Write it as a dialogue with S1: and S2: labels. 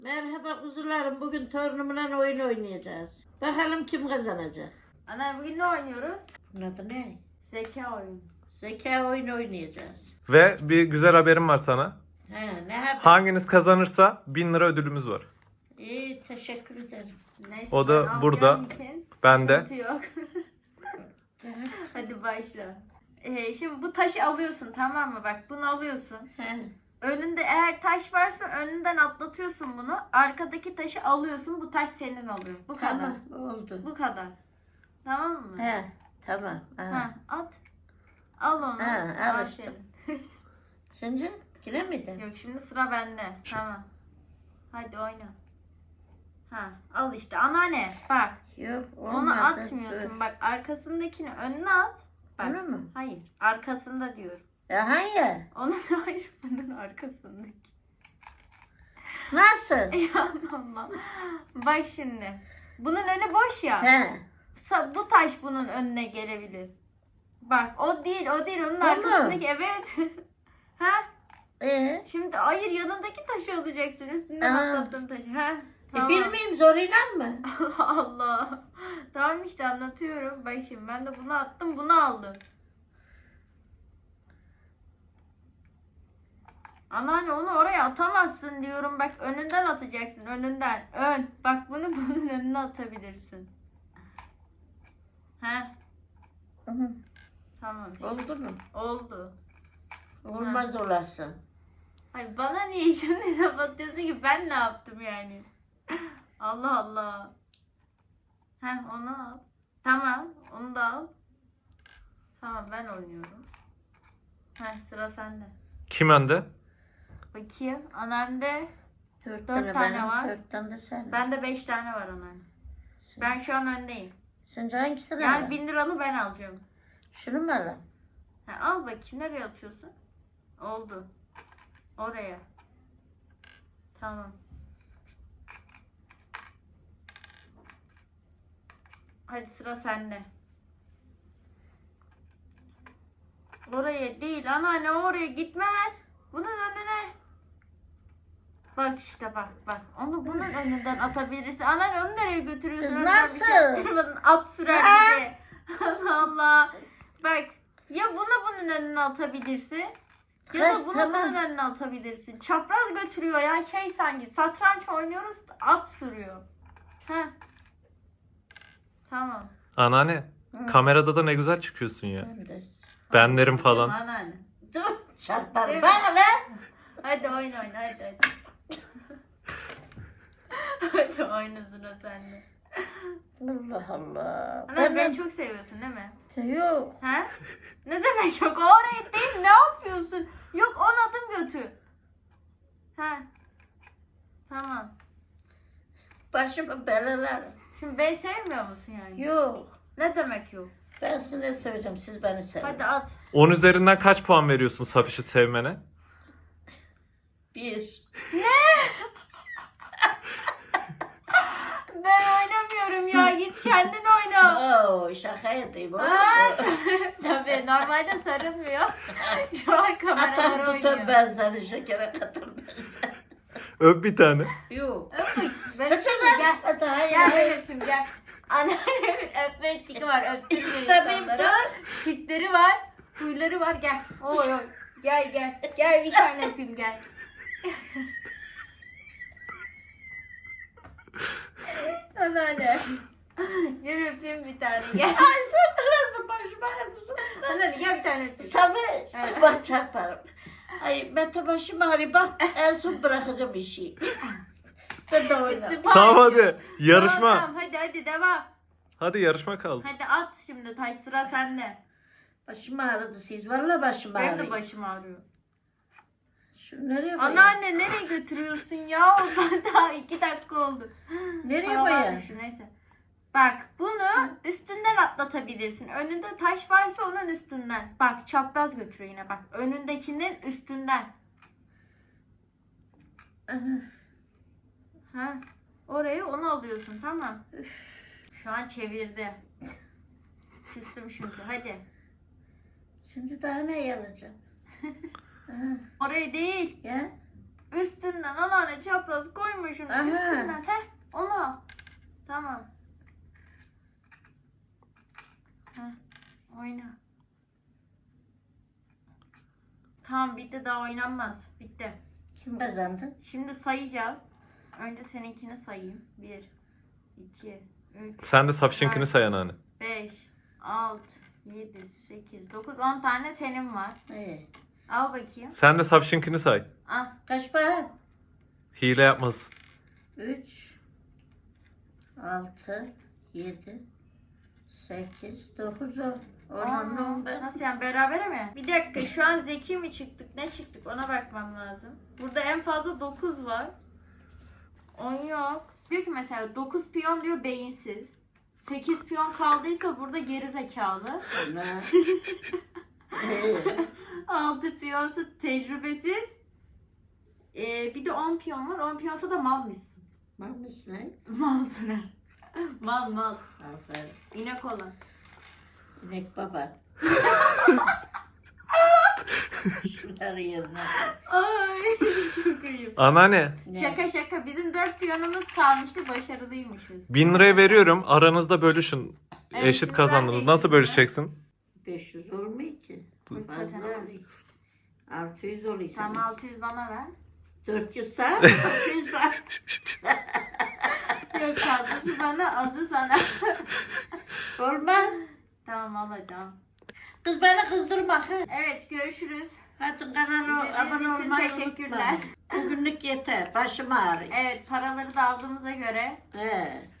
S1: Merhaba kuzularım. Bugün torunumla oyun oynayacağız. Bakalım kim kazanacak.
S2: Ana bugün ne oynuyoruz?
S1: Bunun adı ne?
S2: Zeka oyunu.
S1: Zeka oyunu oynayacağız.
S3: Ve bir güzel haberim var sana.
S1: He, ne haber?
S3: Hanginiz kazanırsa 1000 lira ödülümüz var.
S1: İyi, teşekkür ederim.
S2: Neyse,
S3: O da
S2: ben
S3: burada.
S2: alacağım için
S3: Ben de.
S2: sıkıntı yok. Hadi başla. Şimdi bu taşı alıyorsun, tamam mı? Bak bunu alıyorsun.
S1: He,
S2: Önünde eğer taş varsa önünden atlatıyorsun bunu. Arkadaki taşı alıyorsun. Bu taş senin oluyor. Bu kadar.
S1: tamam oldu.
S2: Bu kadar. Tamam mı?
S1: He, tamam. Ha.
S2: Ha, at. Al onu.
S1: Ha, al
S2: Al
S1: işte.
S2: senin.
S1: Sence yine miydin?
S2: Yok, şimdi sıra bende. Tamam. Hadi oyna. Ha, al işte anneanne. Bak.
S1: Yok, olmadı.
S2: Onu atmıyorsun.
S1: Dur.
S2: Bak arkasındakini önüne at. Bak.
S1: Bunu mu?
S2: Hayır. Arkasında diyorum.
S1: Ya hayır.
S2: Onun hayır. Bunun arkasındaki.
S1: Nasıl?
S2: Ya Allah. Bak şimdi. Bunun önü boş ya.
S1: He.
S2: Bu taş bunun önüne gelebilir. Bak o değil. Onun
S1: Bu mu?
S2: arkasındaki. Evet. Ha?
S1: Şimdi
S2: Hayır, yanındaki taşı alacaksın. Üstünden
S1: Aa.
S2: atlattığın taşı. Ha? Tamam.
S1: bilmeyeyim zoruyla mı?
S2: Allah Allah. Tamam işte anlatıyorum. Bak şimdi ben de bunu attım, bunu aldım. Anneanne onu oraya atamazsın diyorum. Bak önünden atacaksın. Önünden. Bak bunu bunun önüne atabilirsin. He?
S1: Hı hı.
S2: Tamam.
S1: Oldu mu?
S2: Oldu.
S1: Olmaz olasın.
S2: Ay bana niye şimdi laf atıyorsun ki, ben ne yaptım yani? Allah Allah. Heh, onu al. Tamam, onu da al. Tamam, ben oynuyorum. Heh, sıra sende.
S3: Kim önde?
S2: Bakayım, annemde
S1: Dört
S2: tane
S1: benim,
S2: var.
S1: 4 tane de sen.
S2: bende 5 tane var anneanne. Ben şu an öndeyim.
S1: Sence hangisini
S2: Yani
S1: alayım?
S2: 1000 liranı ben alacağım.
S1: Şunu mu alayım?
S2: Ha, al bakayım, nereye atıyorsun? Oldu. Oraya. Tamam. Hadi sıra sende. Oraya değil anneanne, oraya gitmez. Bunun önüne. Bak işte bak. Onu bunun önünden atabilirsin. Anneanne onu nereye götürüyorsun?
S1: Kız
S2: Önden bir şey
S1: nasıl?
S2: yaptırmadın. At sürer bizi. Allah Allah. Bak ya bunun önüne atabilirsin. Ya da
S1: Kız,
S2: bunu
S1: tamam.
S2: bunun önüne atabilirsin. Çapraz götürüyor ya, sanki satranç oynuyoruz, at sürüyor. Heh. Tamam.
S3: Anneanne. Kamerada da ne güzel çıkıyorsun ya.
S1: Ben de.
S3: Benlerim falan.
S2: Anneanne.
S1: Dur çarparım.
S2: Değil mi?
S1: Bak lan.
S2: Hadi oyna hadi. Hadi oyna, sıra sende.
S1: Allah Allah.
S2: Anneanne beni çok seviyorsun değil mi?
S1: Yok.
S2: He? Ne demek yok? O oraya değil, ne yapıyorsun? Yok, 10 adım götür. He. Tamam.
S1: Başımı belalar.
S2: Şimdi beni sevmiyor musun yani?
S1: Yok.
S2: Ne demek yok?
S1: Ben sizi ne seveceğim? Siz beni sevin.
S2: Hadi at.
S3: 10 üzerinden kaç puan veriyorsun Safiş'i sevmene?
S1: 1.
S2: Ben oynamıyorum ya. Git kendin oyna.
S1: Oo, şaka edeyim.
S2: Aa, tabii normalde sarılmıyor. Şu an kameralar
S1: Atar tutar
S2: oynuyor.
S1: ben seni şekere katar ben seni.
S3: Öp bir tane.
S1: Yok.
S2: Öp bakayım. Ben
S1: Kaçır
S2: öpeyim,
S1: lan.
S2: gel.
S1: Hadi hayır.
S2: Gel
S1: hayır.
S2: ben öpeyim gel. Anneannemin öpme tiki var. Öptürmüyor
S1: İstemiyorum
S2: insanlara.
S1: dur.
S2: Tikleri var. Huyları var. Gel. Oy oy. Gel. Gel bir tane öpeyim gel. Anneanne. Gel öpeyim bir tane gel.
S1: Ay sen nasıl başıma ağrıyorsun?
S2: Anneanne gel bir tane öpeyim.
S1: Safi
S2: Evet.
S1: bak çarparım. Ay ben başım ağrıyor bak en son bırakacağım işi. Ben de oynarım.
S3: Tamam hadi. Yarışma.
S2: Tamam hadi devam.
S3: Hadi yarışma kaldı.
S2: Hadi at şimdi taş, sıra sende.
S1: Başım ağrıdı siz. Vallahi başım
S2: Benim
S1: ağrıyor.
S2: de başım ağrıyor.
S1: Şunu nereye koyayım?
S2: Anneanne nereye götürüyorsun ya? Oradan daha 2 dakika oldu.
S1: Nereye
S2: Paralar
S1: koyayım?
S2: düştü, neyse. Bak bunu üstünden atlatabilirsin. Önünde taş varsa onun üstünden. Bak çapraz götürüyor yine bak. Önündekinin üstünden. Ha. Orayı onu alıyorsun, tamam. Şu an çevirdi. Küstüm çünkü, hadi.
S1: Şimdi daha ne yapacağım?
S2: Orayı değil.
S1: Ya
S2: Üstünden anneanne çapraz koymuşsun.
S1: Aha.
S2: Üstünden. Heh onu al. Tamam. Heh oyna. Tamam bitti, daha oynanmaz. Bitti.
S1: Kim kazandı?
S2: Şimdi sayacağız. Önce seninkini sayayım. 1, 2, 3,
S3: Sen de Safiş'inkini
S2: Evet.
S3: say anneanne.
S2: 5, 6, 7, 8, 9, 10 tane senin var. Al bakayım.
S3: Sen de Safiş'inkini say.
S2: Al.
S1: Kaç para?
S3: Hile yapmaz.
S1: 3, 6, 7, 8, 9, 10. Onun ben.
S2: Nasıl yani, berabere mi? Bir dakika, şu an zeki mi çıktık, ne çıktık, ona bakmam lazım. Burada en fazla 9 var. 10 yok. Diyor ki mesela 9 piyon diyor beyinsiz. 8 piyon kaldıysa burada geri zekalı.
S1: Ne?
S2: 6 piyonsa tecrübesiz. Bir de 10 piyon var. 10 piyonsa da mal mısın?
S1: Mamış ne?
S2: Malsın. Mal.
S1: Aferin.
S2: İnek olan.
S1: İnek baba. Şunları yerine.
S2: Ay çok ayıp.
S3: Anneanne
S2: Şaka şaka. Bizim 4 piyonumuz kalmıştı. Başarılıymışız.
S3: 1000 liraya veriyorum. Aranızda bölüşün.
S2: Evet,
S3: Eşit
S2: şimdi
S3: kazandınız.
S2: ben
S3: Nasıl
S2: eşit
S3: bölüşeceksin?
S1: 500 olmuyor ki.
S2: Buyur,
S1: Fazla
S2: kazan,
S1: oluyor. 600 oluyor
S2: Tamam,
S1: sana.
S2: 600 bana ver.
S1: 400 sağ, 600 var.
S2: Yok, fazlası bana, azı sana.
S1: Olmaz.
S2: Tamam al hadi al.
S1: Kız beni kızdırma. Ha.
S2: Evet, görüşürüz.
S1: Hadi kanala
S2: İzlediğiniz
S1: abone
S2: için
S1: olmayı
S2: teşekkürler.
S1: unutma. Bugünlük yeter. Başım ağrıyor.
S2: Evet, paraları da aldığımıza göre
S1: He.